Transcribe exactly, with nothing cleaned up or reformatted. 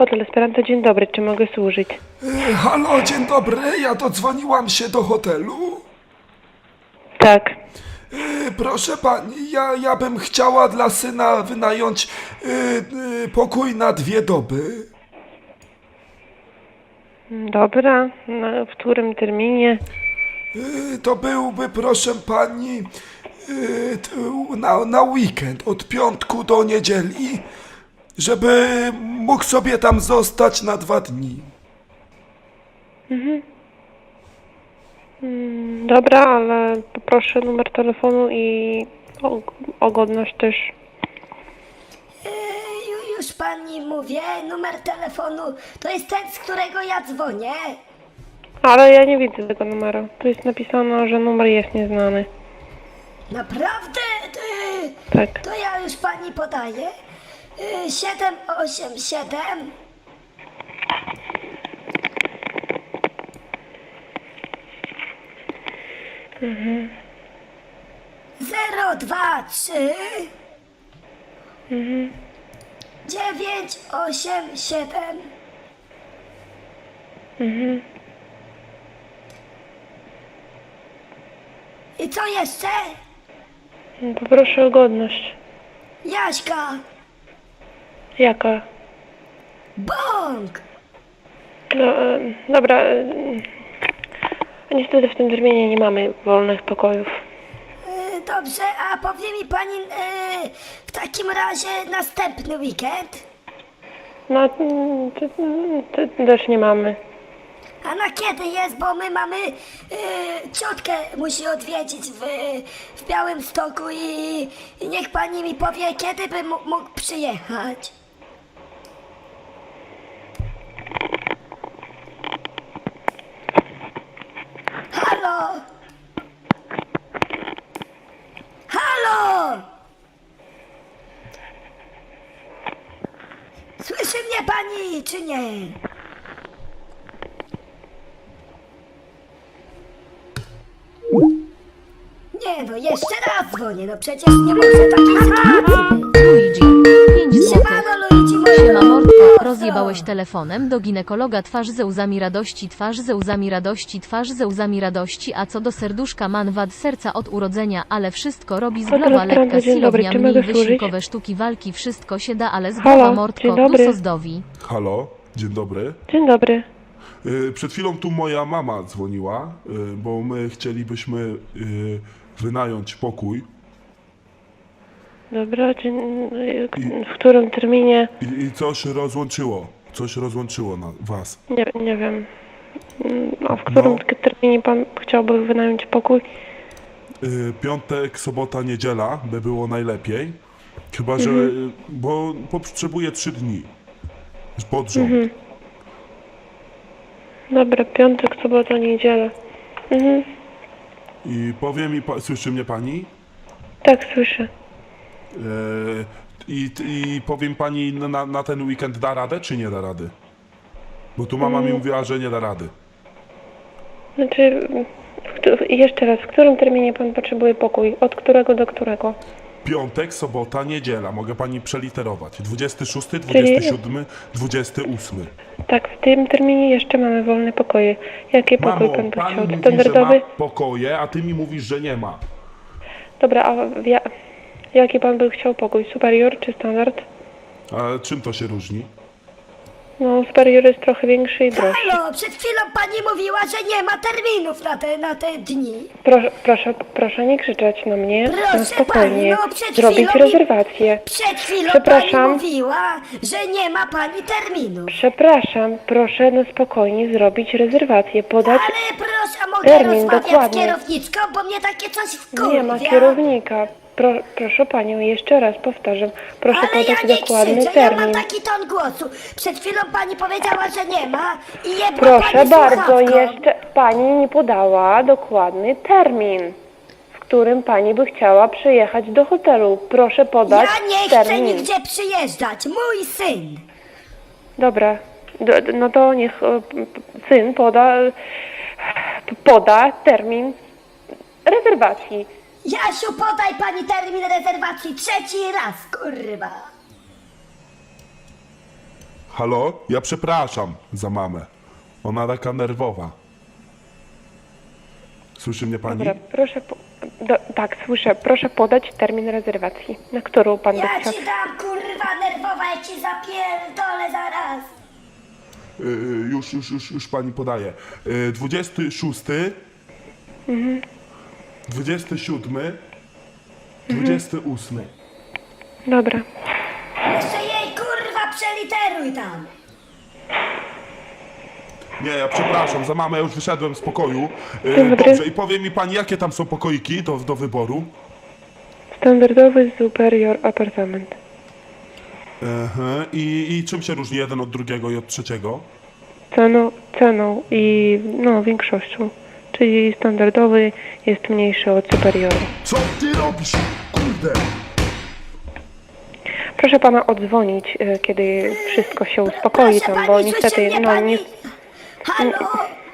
Hotel Esperanto, dzień dobry, czy mogę służyć? E, Halo, dzień dobry, ja dodzwoniłam się do hotelu. Tak. E, Proszę pani, ja, ja bym chciała dla syna wynająć e, e, pokój na dwie doby. Dobra, no, w którym terminie? E, To byłby, proszę pani, e, t- na, na weekend, od piątku do niedzieli, żeby mógł sobie tam zostać na dwa dni. Dobra, ale poproszę numer telefonu i o, o godność też. Yy, ju- już pani mówię, numer telefonu to jest ten, z którego ja dzwonię. Ale ja nie widzę tego numeru. Tu jest napisane, że numer jest nieznany. Naprawdę? Yy, Tak. to ja już pani podaję. Yy, siedem osiem siedem zero dwa trzy dziewięć osiem siedem. I co jeszcze? Poproszę o godność. Jaśka, Jaka? bąk! No, e, dobra. E, niestety w tym terminie nie mamy wolnych pokojów. Yy, Dobrze, a powie mi pani yy, w takim razie następny weekend? No, mm, to, to, to też nie mamy. A na kiedy jest, bo my mamy yy, ciotkę musi odwiedzić w, w Białymstoku i, i niech pani mi powie, kiedy by mógł, mógł przyjechać. Halo! Halo! Słyszy mnie pani, czy nie? Nie no, jeszcze raz dzwonię, no przecież nie może takiej sytuacji być. Luigi, pięć złotych. Siemano Luigi, moje Siema drogie. mordko, Co? rozjebałeś telefonem do ginekologa, twarz ze łzami radości, twarz ze łzami radości, twarz ze łzami radości, a co do serduszka man wad serca od urodzenia, ale wszystko robi z Hotel głowa, Esperanto, lekka dzień dobry, silownia, czy mniej mogę służyć? wysiłkowe sztuki walki, wszystko się da, ale z Halo, głowa dzień mordko, dobry. tu sozdowi. Halo, dzień dobry. Dzień dobry. Y, Przed chwilą tu moja mama dzwoniła, y, bo my chcielibyśmy y, wynająć pokój Dobra, dzień, w którym terminie? i, i coś rozłączyło, coś rozłączyło na was. Nie, nie wiem. Mm, A w którym No. terminie pan chciałby wynająć pokój? Y, Piątek, sobota, niedziela by było najlepiej, chyba że, Mhm. y, bo potrzebuję trzy dni pod rząd. Mhm. Dobra, piątek, sobota, niedziela. Mhm. I powie mi, pa- słyszy mnie pani? Tak, słyszę. Y, I, I powiem pani, na, na ten weekend da radę, czy nie da rady? Bo tu mama mi mówiła, że nie da rady. Znaczy, w, któ- jeszcze raz, w którym terminie pan potrzebuje pokój? Od którego do którego? Piątek, sobota, niedziela. Mogę pani przeliterować. dwudziesty szósty, dwudziesty siódmy, dwudziesty ósmy. Tak, w tym terminie jeszcze mamy wolne pokoje. Jaki pokój Mamo, pan by pani chciał? mówi, że Standardowy? ma pokoje, a ty mi mówisz, że nie ma. Dobra, a w ja, jaki pan by chciał pokój? Superior czy standard? A czym to się różni? No, superior jest trochę większy i droższy. Halo, przed chwilą pani mówiła, że nie ma terminów na te, na te dni. Proszę, proszę, proszę nie krzyczeć na mnie. Proszę Na spokojnie. pani, no przed Zrobić chwilą mi- rezerwację. Przed chwilą Przepraszam. pani mówiła, że nie ma pani terminów. Przepraszam, proszę na spokojnie zrobić rezerwację, podać... Ale proszę, a mogę Termin, rozmawiać dokładnie. z kierowniczką, bo mnie takie coś wkurwia. Nie ma kierownika. Pro, proszę panią, jeszcze raz powtarzam. Proszę Ale ja podać nie dokładny krzyczę, ja mam termin. taki ton głosu. Przed chwilą pani powiedziała, że nie ma i jebła Proszę pani bardzo, słuchawką. jeszcze pani nie podała dokładny termin, w którym pani by chciała przyjechać do hotelu. Proszę podać Ja nie chcę termin. nigdzie przyjeżdżać, mój syn. Dobra, d- d- no to niech e, p- syn poda, poda termin rezerwacji. Jasiu, podaj pani termin rezerwacji trzeci raz, kurwa. Halo? Ja przepraszam za mamę. Ona taka nerwowa. Słyszy mnie pani? Dobra, proszę... Po... Do... Tak, słyszę. Proszę podać termin rezerwacji, na którą pan by Ja chciał... ci dam, kurwa, nerwowa, ja ci zapierdolę zaraz. Yy, już, już, już, już pani podaje. Yy, dwudziesty szósty, dwudziesty siódmy, dwudziesty ósmy. Dobra. Jeszcze jej, kurwa, przeliteruj tam. Nie, ja przepraszam, za mamę ja już wyszedłem z pokoju. Yy, Dzień dobry. dobrze, i powie mi pani, jakie tam są pokoiki do, do wyboru? Standardowy superior apartament. Aha. I, I czym się różni jeden od drugiego i od trzeciego? Ceną, ceną i no większością. Czyli standardowy jest mniejszy od superioru. Co ty robisz? Kurde! Proszę pana odzwonić, y, kiedy wszystko się uspokoi Proszę tam, pani, bo słyszy niestety mnie no pani? nie, Halo?